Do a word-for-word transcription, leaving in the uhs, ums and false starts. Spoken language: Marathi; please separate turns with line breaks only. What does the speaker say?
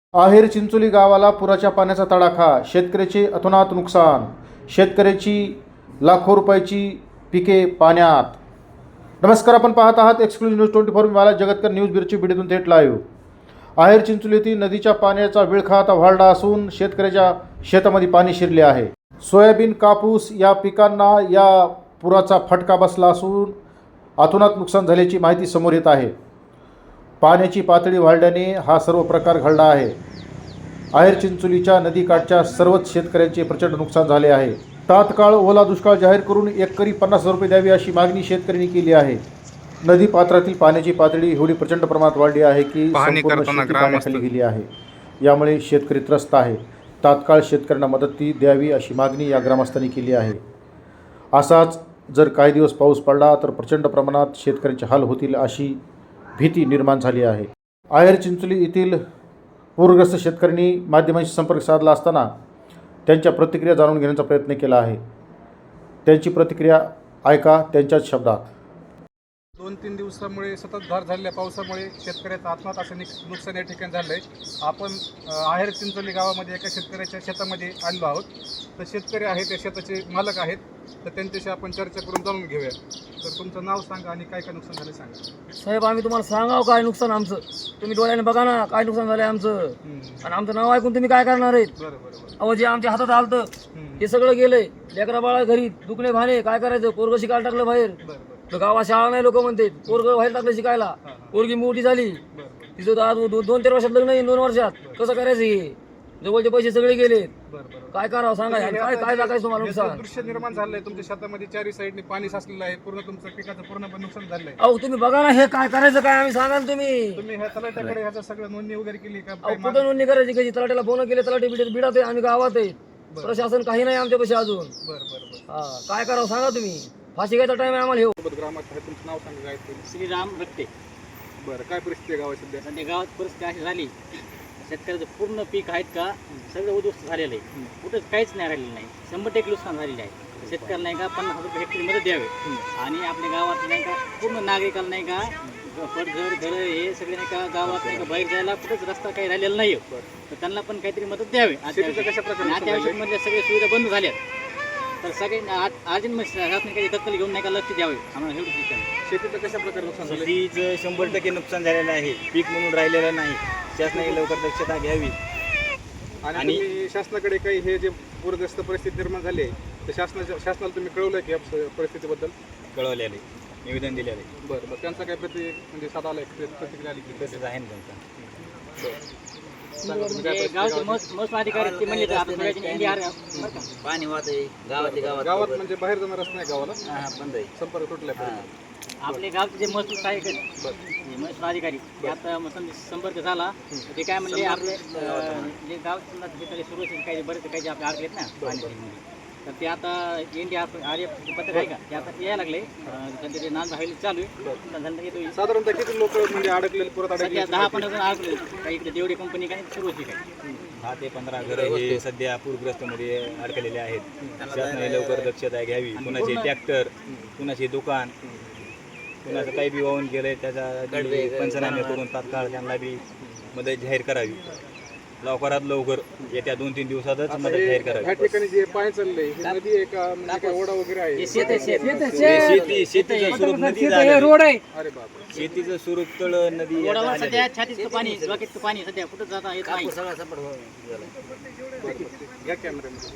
आहेर चिंचोली गावाला पुराच्या पाण्याचा तडाखा, शेतकऱ्याचे अतोनात नुकसान, शेतकऱ्याची लाखो रुपयाची पिके पाण्यात. नमस्कार, आपण पाहत आहात एक्सक्लुझिव्ह न्यूज ट्वेंटी फोर. मला जगतकर न्यूज बिरची बीडीतून थेट लाईव्ह. आहेर चिंचोली येथील नदीच्या पाण्याचा विळखा आता वाढला असून शेतकऱ्याच्या शेतामध्ये पाणी शिरले आहे. सोयाबीन, कापूस या पिकांना या पुराचा फटका बसला असून अतोनात नुकसान झाल्याची माहिती समोर येत आहे. पाण्याची पातळी वाढल्याने हा सर्व प्रकार घडला आहे. आहेर चिंचोलीच्या नदीकाठच्या सर्वच शेतकऱ्यांचे प्रचंड नुकसान झाले आहे. तात्काळ ओला दुष्काळ जाहीर करून एकरी पन्नास हजार रुपये द्यावी अशी मागणी शेतकऱ्यांनी केली आहे. नदी पात्रातील पाण्याची पातळी एवढी प्रचंड प्रमाणात वाढली आहे की संपूर्ण शेती पाण्याखाली गेली आहे. यामुळे शेतकरी त्रस्त आहे. तात्काळ शेतकऱ्यांना मदती द्यावी अशी मागणी या ग्रामस्थांनी केली आहे. असाच जर काही दिवस पाऊस पडला तर प्रचंड प्रमाणात शेतकऱ्यांचे हाल होतील अशी भीती निर्माण झाली आहे. आहेर चिंचोली येथील पूरग्रस्त शेतकऱ्यांनी माध्यमांशी संपर्क साधला असताना त्यांच्या प्रतिक्रिया जाणून घेण्याचा प्रयत्न केला आहे. त्यांची प्रतिक्रिया ऐका त्यांच्याच शब्दात.
दोन तीन दिवसामुळे सततधार झालेल्या पावसामुळे शेतकऱ्याचं आत्महत्या असं नुकसान या ठिकाणी झालं आहे. आपण आहेर चिंचोली गावामध्ये एका शेतकऱ्याच्या शेतामध्ये आलेलो आहोत. तर शेतकरी आहेत, त्या शेताचे मालक आहेत, तर त्यांच्याशी आपण चर्चा करून जाणून घेऊया. तर तुमचं नाव सांगा आणि काय काय नुकसान झालं सांगा.
साहेब, आम्ही तुम्हाला सांगाव काय नुकसान आमचं, तुम्ही डोळ्याने बघा ना काय नुकसान झालं आमचं. आणि आमचं नाव ऐकून तुम्ही काय करणार आहेत?
बरं बरं
अहो, जे आमच्या हातात आलतं ते सगळं गेलंय. लेकरा बाळा घरी दुखणे भाणे, काय करायचं? पोरग शिकायला टाकलं बाहेर.
बरं
गावात शाळा नाही, लोक म्हणतात पोरग बाहेर टाकलं शिकायला. पोरगी मोठी झाली, तिचं आज दोन तीन वर्षात लग्न येईल, दोन वर्षात कसं करायचं? हे जवळचे पैसे सगळे गेले, काय करावं सांगा. काय काय टाकायचं तुम्हाला नुकसान?
दृश्य निर्माण झालंय तुमच्या शेतामध्ये, चारी साईडने पाणी साचलेलं आहे, पूर्ण तुमचं पिकाचं पूर्णपणे नुकसान झालंय.
अहो, तुम्ही बघा ना, हे काय करायचं? काय आम्ही सांगा ना. तुम्ही
तुम्ही ह्या तलाट्याकडे ह्याचं सगळं नोंदणी वगैरे केली का?
अहो, कुठं नोंदणी करायची? कशी तलाट्याला फोन केले, तलाठी बिडत बिडात आहे, आम्ही गावात आहे. प्रशासन काही नाही आमच्यापाशी अजून.
बरं बरं बरं
हा, काय करावं सांगा तुम्ही. फाशी घ्यायचा टाइम आहे आम्हाला. हे
ग्रामात आहे, तुमचं नाव सांगा काय ते.
श्रीराम रक्ते.
बरं, काय परिस्थिती आहे गावात सध्या?
सध्या गावात परिस्थिती अशी झाली, शेतकऱ्याचं पूर्ण पीक आहेत का सगळं उद्ध्वस्त झालेलं आहे. कुठंच काहीच नाही राहिलेलं नाही. शंभर टक्के नुकसान झालेलं आहे. शेतकऱ्याला नाही का पन्नास हजार रुपये हेक्टरी मदत द्यावे. आणि आपल्या गावात नाही का पूर्ण नागरिकाला नाही का पडझड घरं हे सगळे नाही का गावात नाही का बाहेर जायला कुठंच रस्ता काही राहिलेला नाही. तर त्यांना पण काहीतरी मदत द्यावी. अत्यावश्यकमधल्या सगळ्या सुविधा बंद झाल्या. तर सगळे अर्जंट शासनाने काही दखल घेऊन नाही का लक्ष द्यावे आम्हाला एवढं शिक्षण.
शेतीचं कशा प्रकारे नुकसान झालं?
शेतीचं शंभर टक्के नुकसान झालेलं आहे. पीक म्हणून राहिलेलं नाही. शासनाने लवकर दक्षता घ्यावी.
आणि तुम्ही शासनाकडे काही हे जे पूरग्रस्त परिस्थिती निर्माण झाली आहे तर शासनाच्या शासनाला तुम्ही कळवलं की या परिस्थितीबद्दल?
कळवलेले, निवेदन दिलेले.
बरं बरं, त्यांचा काय प्रति म्हणजे साधा आला प्रतिक्रिया आली की?
तसंच आहे ना त्यांचा.
गावचे मस्त मस्त अधिकारी ते म्हणजे
पाणी वाहत आहे गावात गावात
गावात म्हणजे बाहेर जाणार रस्ता नाही गावाला,
बंद आहे.
संपर्क तुटलाय.
आपले गावचे जे महसूल सहाय्यक महसूल अधिकारी ते आता संपर्क झाला. ते काय म्हणले आपले जे गाव सुरक्षित काही बरेच काही आपले अडकलेत ना पाणी, तर ते आता इंडिया आर्य पत्रक आहे का ते आता यायला लागले. सध्या ते नांद हवेली चालू आहे.
साधारणतः किती लोक म्हणजे अडकलेले पुरात
सध्या दहा पंधरा जण अडकले. काही इकडे देवडी कंपनी काही सुरू होती काय
दहा ते पंधरा घरं हे सध्या पूरग्रस्त मध्ये अडकलेले आहेत. शासनाने लवकर दक्षता घ्यावी. कुणाचे ट्रॅक्टर, कुणाचे दुकान, कुणाचं काही बी वाहून गेलंय त्याचा पंचनामे करून तात्काळ त्यांना बी मदत जाहीर करावी. लवकरात लवकर येत्या दोन तीन दिवसातच मदत जाहीर करावी.
ह्या ठिकाणी जे पाणी चाललंय ही नदी आहे का म्हणजे काय ओढा वगैरे आहे?
शेती शेतीचं स्वरूप नदी
रोड आहे.
अरे बापरे,
शेतीचं स्वरूप तळ नदी
सध्या छातीचं पाणी बाकीचं पाणी सध्या कुठं जाता येत नाही.
घ्या कॅमेऱ्यामध्ये.